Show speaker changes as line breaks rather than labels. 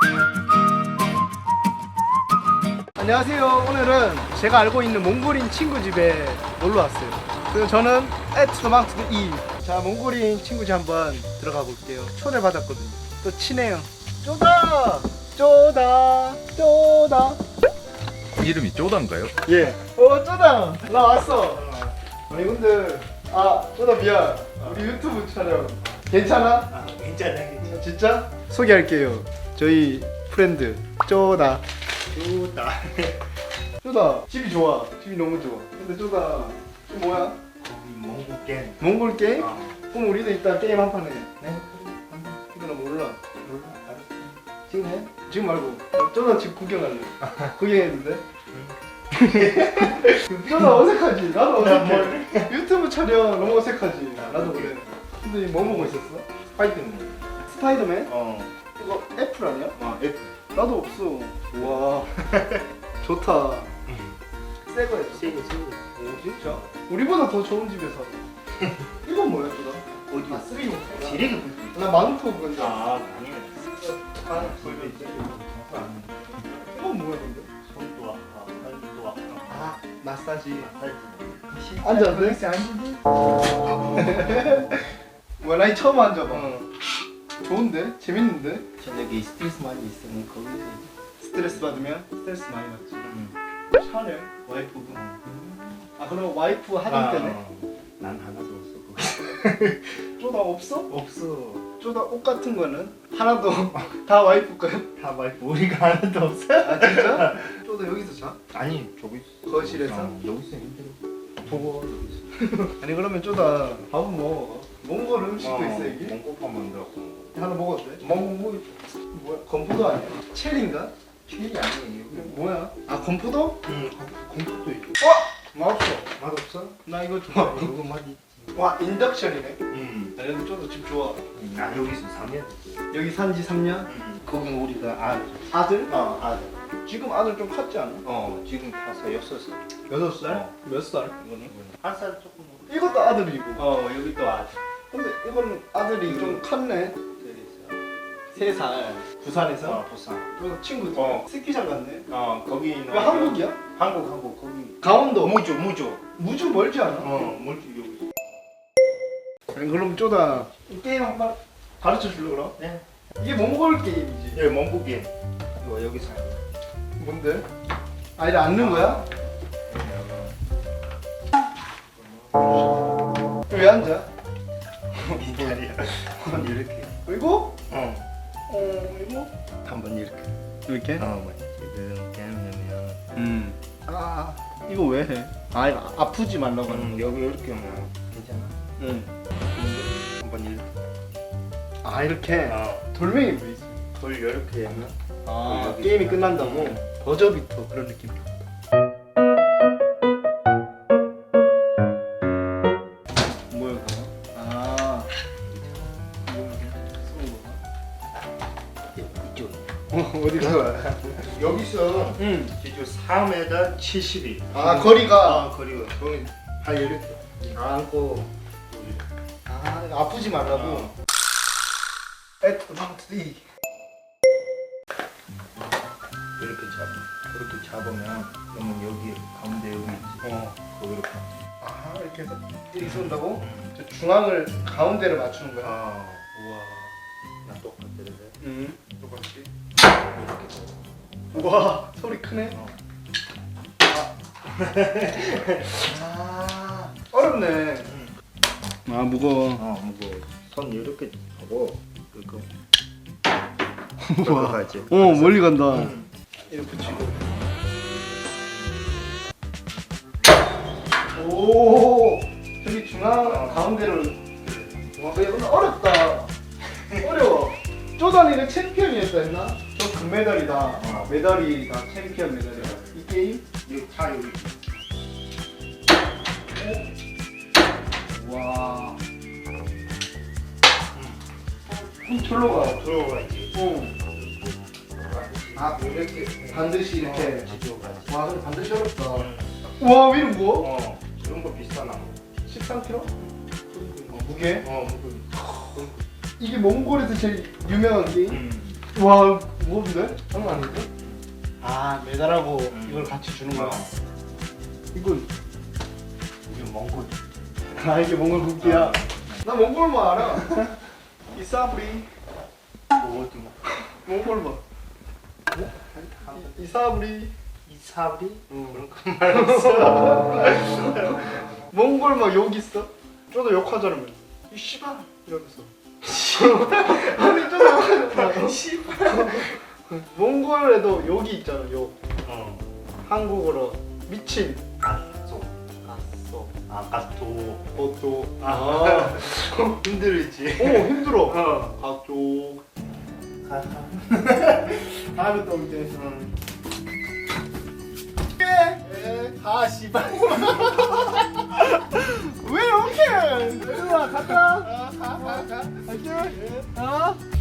안녕하세요. 오늘은 제가 알고 있는 몽골인 친구 집에 놀러 왔어요. 그리고 저는 에트마운트 2. 자, 몽골인 친구 집 한번 들어가 볼게요. 초대 받았거든요. 또 친해요. 쪼다! 쪼다! 쪼다!
이름이 쪼단가요?
예. 쪼다! 나 왔어. 아니 근데 쪼다 미안. 우리 유튜브 촬영 괜찮아?
괜찮아.
진짜? 소개할게요. 저희 프렌드 쪼다.
좋다.
쪼다 집이 좋아. 집이 너무 좋아. 근데 쪼다 이게 뭐야?
몽골 게임.
몽골 게임?
어.
그럼 우리도 일단 게임 한 판 해.
네.
이거는 몰라.
몰라. 알았어.
지금 해? 지금 말고. 쪼다 집 구경할래. 구경했는데? 쪼다 어색하지? 나도 어색해. 유튜브 촬영 너무 어색하지? 나도 그래. 근데 뭐 보고 있었어?
스파이더맨.
스파이더맨?
어.
이거 애플 아니야?
F.
나도 없어. 와 좋다. 새 거야.
세고.
오 진짜? 우리보다 더 좋은 집에서. 이건 뭐야 쪼다?
어디?
쓰리모.
지레기
나 마누토 근데.
아니야.
보여줘 있어. 이건 뭐야 근데?
손도 아파. 팔도 아파.
마사지.
마사지.
앉아도 돼? 와, 나 처음 앉아봐. 좋은데? 재밌는데?
저녁에 스트레스 많이 있으면 거기서
스트레스 받으면? 스트레스 많이 받지. 촬영? 와이프분? 그럼 와이프 하던 때네?
난 하나도 없어 거기서.
쪼다 없어?
없어.
쪼다 옷 같은 거는? 하나도 다 와이프 거야?
다 말고 우리가 하나도 없어.
진짜? 쪼다 여기서 자?
아니 저기 있어.
거실에서?
여기서 힘들어. 보고 여기서.
아니 그러면 쪼다 밥은 뭐 먹어? 몽골 음식도 있어 이게?
몽골밥 만들었고.
하나 먹어도 돼?
뭐
뭐야? 건포도 아니야? 첼인가?
튀기 아니에요.
뭐야? 건포도?
응. 공격도 있고.
맛없어.
맛없어?
나 이거 좋아.
이거 맛이.
와 인덕션이네.
응.
아니 근데 쪼다 집 좋아.
나 여기서 3년.
여기 산지 3년?
거기 우리가
아들?
아들.
지금 아들 좀 컸지 않아?
지금 5살.
6살? 몇 살?
이거는 1살 조금.
이것도 아들이고.
여기 또 아들.
근데 이거는 아들이 좀 컸네. 3살. 부산에서?
부산.
저 친구 스키장 갔네.
거기 있는.
왜 한국이야?
한국 거기.
강원도.
무주.
무주 멀지 않아?
무주 여기.
아니, 그럼 쪼다 이 게임 한번 가르쳐 줄래 그럼?
네.
이게 몽골 게임이지.
네, 몽골 게임. 이거 여기 살.
뭔데? 이래 앉는 거야? 왜 앉아?
미달이야. 이렇게.
그리고
이거? 한번 이렇게.
이렇게?
지금 게임하면.
이거 왜 해? 이거 아프지 말라고 하는
여기 이렇게 하면 괜찮아.
응.
한번 이렇게.
이렇게? 돌멩이 왜 있어?
돌 이렇게 하면. 여기
게임이
있어.
끝난다고? 버저비터 그런 느낌. 뭐야 그거?
이쪽.
어디가?
여기서
응.
지금 4m 70이.
거리가.
거리가. 거기 발 이렇게 안고.
이거 아프지 말라고. 에트마운트 D.
이렇게 잡아. 그렇게 잡으면 그러면 여기 가운데 여기 있지. 거기 이렇게.
이렇게 해서 이렇게 쏜다고? 저 중앙을 가운데를 맞추는 거야.
우와. 나 똑같은데.
응.
똑같이.
우와 소리 크네. 어렵네. 무거워.
무거워. 손 이렇게 하고 이거.
우와.
가지.
멀리 간다. 이렇게 붙이고. 오 저기 중앙 가운데를. 와 이거 어렵다. 어려워. 쪼다니는 챔피언이었다 했나? 저 금메달이다. 메달이다. 챔피언 메달이다. 이 게임?
여기 차 여기.
와. 절로 가.
들어가 있지.
이렇게 반드시 이렇게.
가지.
와, 근데 반드시 어렵다. 와, 왜 이런 거?
이런 거 비싼 나무.
13kg? 무게?
무게.
이게 몽골에서 제일 유명한 게임? 와, 무거운데? 장난 아닌데? 아 메달하고 이걸 같이 주는 거야. 이건
이게 몽골.
아 이게 몽골 국기야. 나 몽골만 알아. 이사브리.
어디 뭐?
몽골만. 이사브리.
이사브리?
응.
그런 말 없어.
몽골만 욕 있어? 저도 욕하잖아. 맨날. 이 씨발 이러면서. 아니 저도 욕하잖아. 씨발. 몽골에도 욕이 있잖아. 욕.
어.
한국어로 미친.
가소.
아쏘.
가토.
그것도. 아.
힘들지.
오 힘들어.
어.
가쪽.
가.
다음에 또 올게. 아 씨발. 왜 이렇게? 얘들아 갔다. 가. 갈게.